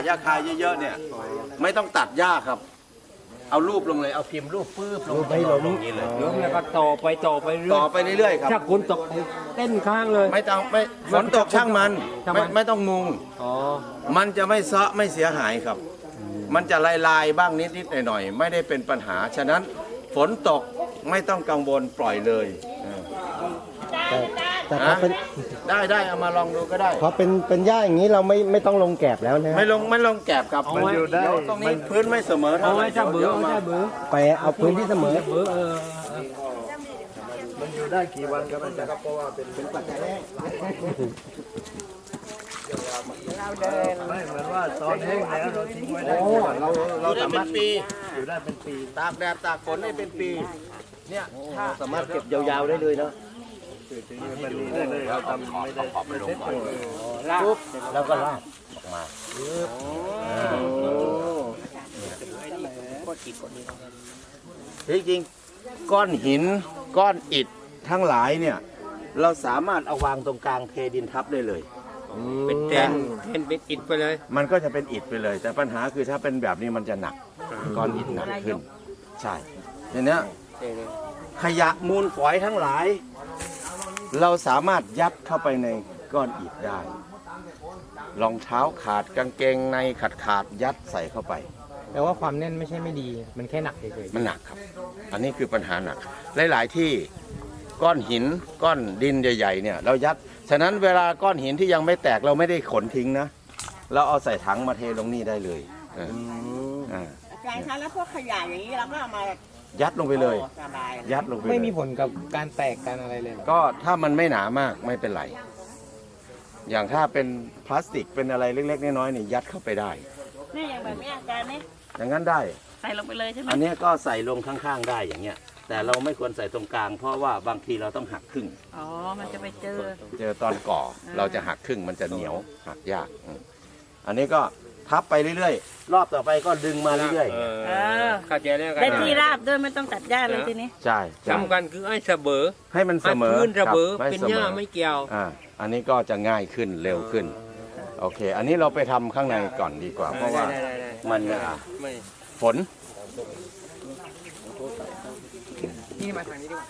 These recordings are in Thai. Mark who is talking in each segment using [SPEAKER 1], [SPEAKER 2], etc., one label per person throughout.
[SPEAKER 1] หญ้าคาเยอะๆเนี่ยไม่ต้องตัดหญ้าครับเอารูปลงเลยเอาพิมพ์รูปปื้บลงไปลงนี้เลย
[SPEAKER 2] ล้มแล้วก็ต่อไปเ
[SPEAKER 1] รื่อยๆครับ
[SPEAKER 2] ถ้าฝนตกเต้นข้างเลย
[SPEAKER 1] ไม่ต้องไม่ฝนตกช่างมันไม่ต้องมุงมันจะไม่เซาะไม่เสียหายครับมันจะลายๆบ้างนิดๆหน่อยๆไม่ได้เป็นปัญหาฉะนั้นฝนตกไม่ต้องกังวลปล่อยเลย
[SPEAKER 3] แต่พอเป็น
[SPEAKER 1] ได้เอามาลองดูก็ได้
[SPEAKER 3] พอเป็นหญ้าอย่างนี้เราไม่ต้องลงแกบแล้วนะ
[SPEAKER 1] ไม่ลงแกบครับมันอยู่ได้ตรงนี้พื้นไม่เสมอเท่าไหร่
[SPEAKER 3] ไปเอาพื้นที่เสมอ
[SPEAKER 4] มันอยู่ได้กี่วันครับอาจารย์ครับเพราะว่าเป็นปัจจัยแรกเราเดินไม่เหมือนว่าตอนแห้งแล้วเราทิ้งไว้ได้
[SPEAKER 1] เราสามารถ
[SPEAKER 4] อยู่ได้เป็นปี
[SPEAKER 1] ตากแดดตากฝนได้เป็นปีเนี่ย
[SPEAKER 3] ถ้าสามารถเก็บยาวๆได้เลยเนาะ
[SPEAKER 4] มันมีได้เลยเราทำไม่ได้เซ็ตเลย
[SPEAKER 3] ปุ๊บแล้วก็ลาดออกมา
[SPEAKER 1] จริงๆก้อนหินก้อนอิฐทั้งหลายเนี่ยเราสามารถเอาวางตรงกลางเทดินทับได้เลย
[SPEAKER 2] เป็นอิฐไปเลย
[SPEAKER 1] มันก็จะเป็นอิฐไปเลย แต่ปัญหาคือถ้าเป็นแบบนี้มันจะหนักก้อนอิฐหนักขึ้นใช่อย่างนี้ขยะมูลฝอยทั้งหลายเราสามารถยัดเข้าไปในก้อนอิฐได้รองเท้าขาดกางเกงในขาดยัดใส่เข้าไป
[SPEAKER 2] แต่ว่าความแน่นไม่ใช่ไม่ดีมันแค่หนักเฉย
[SPEAKER 1] ๆมันหนักครับอันนี้คือปัญหาหนักหลายๆที่ก้อนหินก้อนดินใหญ่ๆเนี่ยเรายัดฉะนั้นเวลาก้อนหินที่ยังไม่แตกเราไม่ได้ขนทิ้งนะเราเอาใส่ถังมาเทลงนี่ได้เลย
[SPEAKER 5] อาจารย์คะแล้วพวกขยะอย่างนี้เราก็เอามา
[SPEAKER 1] ยัดลงไปเลยยัดลงไป
[SPEAKER 2] ไม่มีผลกับการแตกการอะไรเลย
[SPEAKER 1] ก็ถ้ามันไม่หนามากไม่เป็นไรอย่างถ้าเป็นพลาสติกเป็นอะไรเล็กๆน้อยๆนี่ยัดเข้าไปได้
[SPEAKER 5] นี่อย่างแบบนี้อาจารย์นี่
[SPEAKER 1] อย่างนั้นได้
[SPEAKER 5] ใส่ลงไปเลยใช่ไหม
[SPEAKER 1] อันนี้ก็ใส่ลงข้างๆได้อย่างเงี้ยแต่เราไม่ควรใส่ตรงกลางเพราะว่าบางทีเราต้องหักครึ่ง
[SPEAKER 5] มันจะไปเจ
[SPEAKER 1] อตอนก่อเราจะหักครึ่งมันจะเหนียวหักยากอันนี้ก็ทับไปเรื่อยๆรอบต่อไปก็ดึงมาเรื่อย
[SPEAKER 2] ๆเข้าใจแล้วกัน
[SPEAKER 5] ได้ที่ราบด้วยไม่ต้องตัดหญ้าเลยทีนี้
[SPEAKER 1] ใช่
[SPEAKER 2] สำคัญคือให้เสมอ
[SPEAKER 1] ให้มันเสมอ
[SPEAKER 2] พื้นเสมอเป็นหญ้าไม่เกี่ยว
[SPEAKER 1] อันนี้ก็จะง่ายขึ้นเร็วขึ้นโอเคอันนี้เราไปทำข้างในก่อนดีกว่าเพราะว่ามันฝน
[SPEAKER 2] นี่มาทางนี้ดีกว่า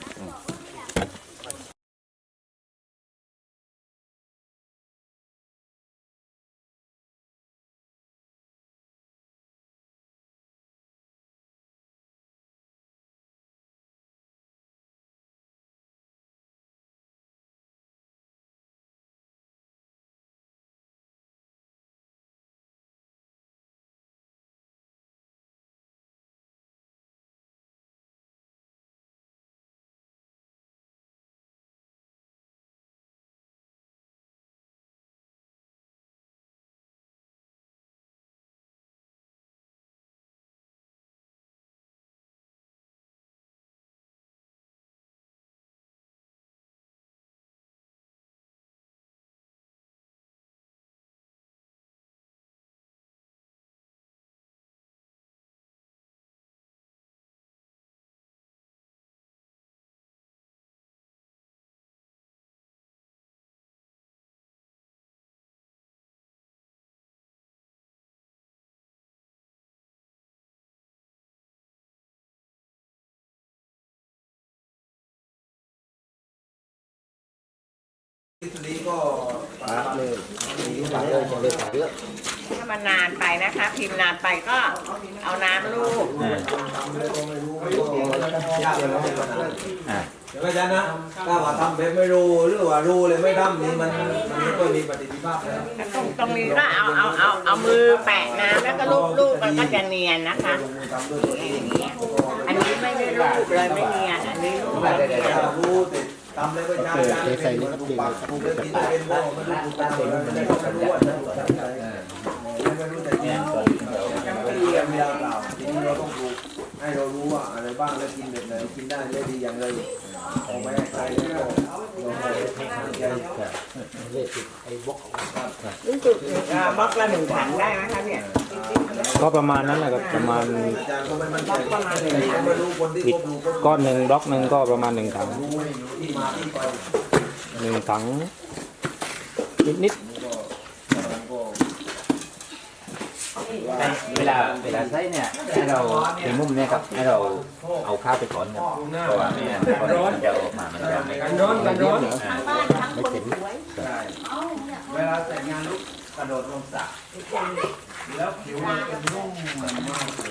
[SPEAKER 4] นี้ก็ปาเลย
[SPEAKER 5] ถ้ามันนานไปนะคะพิมพ์นานไปก็เอาน้ำลูบ
[SPEAKER 4] เดี๋ยวอาจารย์นะถ้าว่าทำแบบไม่รู้หรือว่ารู้เลยไม่ทำนี่มันไม่ค่อยมีประสิทธิภาพแล้ว
[SPEAKER 5] ตรงนี้ก็เอามือแปะน้ำแล้วก็ลูบมันก็จะเนียนนะคะอันนี้ไม่ได้ลูบเลยไม่เนียนอันนี้ลูบแบบเนียน
[SPEAKER 4] ทำเลยก็ใช่ปลูกเลยกินเป็นบ่ไม่รู้ปลูกกันไม่รู้ว่าไม่รู้แต่เนี่ยไม่ดีกันไม่ได้เปล่าทีนี้เราต้องปลูกให้เรารู้ว่าอะไรบ้างแล้วกินแบบไหนกินได้ไม่ดีอย่างไรเอาไปให้ใครแล้ว
[SPEAKER 5] รู้สึกบล็อกละ1 ถังได้ไหมคะเนี่ย
[SPEAKER 2] ก็ประมาณนั้นแหละครับประมาณอีกก้อนหนึ่งบล็อกหนึ่งก็ประมาณ1 ถัง1 ถังนิด
[SPEAKER 6] เวลาใช้เนี่ยให้เราในมุมเนี่ยครับให้เราเอาข้าวไปถอนครับเพราะว่าไม่งั้นมันจะออกมามันจะไม่ร้อนกันร้อน
[SPEAKER 1] เวลาแต่งงานลูกกระโดดลงสระแล้วผิวมันจะนุ่มเหมือนมากเลย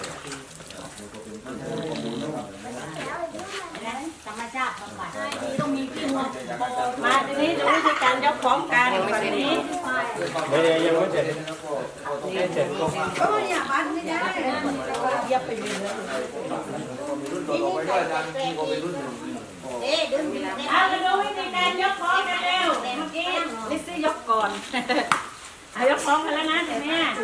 [SPEAKER 7] ธรรมชาติบำบัดต้องมีที่หัวมาทีนี้ดูวิธีการยกของกันฝั่งนี้
[SPEAKER 2] ไม่ได้ยังไม่เสร็จ
[SPEAKER 7] ก็อย่าบันไม่ได้เยียบไปเลยดึงเอามาดูวิธีการยกของกันเร็วเมื่อกี้ลิซซี่ยกก่อนเอายกของกันแล้วนะแต่แม่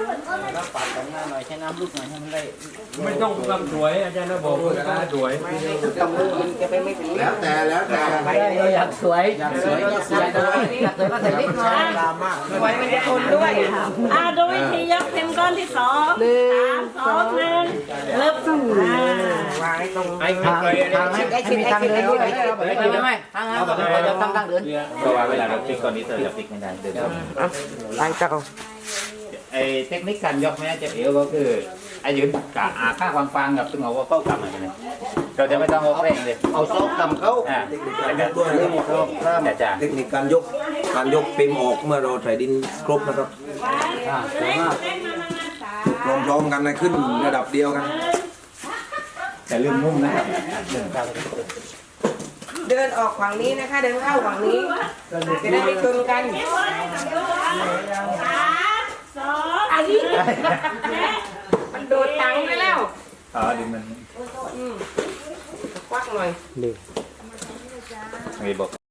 [SPEAKER 2] ไม่ต้องทำสวยอาจารย์นะบอกว่าสวย
[SPEAKER 4] แล้วแต่
[SPEAKER 5] เราอยากสวยก็ใส่นิดหน่อย
[SPEAKER 7] สวยมันจะทนด้วยดูวิธียกเต็มก้อนที่2 3 2 1เริ่ม
[SPEAKER 2] ไอ้ทาง
[SPEAKER 5] มีทางเดินด้วยไม่ทางนั้นเราจะตั้งเดิน
[SPEAKER 6] เพราะว่าเวลาเราพลิกตอนนี้เราจะพลิกไม่ได้เดิน
[SPEAKER 5] ไอ้เจ้า
[SPEAKER 6] ไอ้เทคนิคการยกแม่จะเอวก็คือไอ้ยืนกะอาค่าความฟังกับซึ่งเอาว่าเข้ากลับมาเลยเราจะไม่ต้องเอาเร่งเลย
[SPEAKER 3] เอาซอกกำเข้า
[SPEAKER 4] ด้วยนะครับ
[SPEAKER 6] แต่จ้า
[SPEAKER 4] เทคนิคการยกเปมออกเมื่อเราใส่ดินครบนะครับพร้อมๆกันนะขึ้นระดับเดียวกัน
[SPEAKER 6] แต่เรื่องมุ่งนะครับ
[SPEAKER 5] เดินออกฝั่งนี้นะคะ เดินเข้าฝั่งนี้จะได้ไม่ชนกัน อันนี้มันโดดตังไปแล้ว
[SPEAKER 6] อ๋อดึงมัน
[SPEAKER 5] ควักหน่อย
[SPEAKER 6] ไม่บอก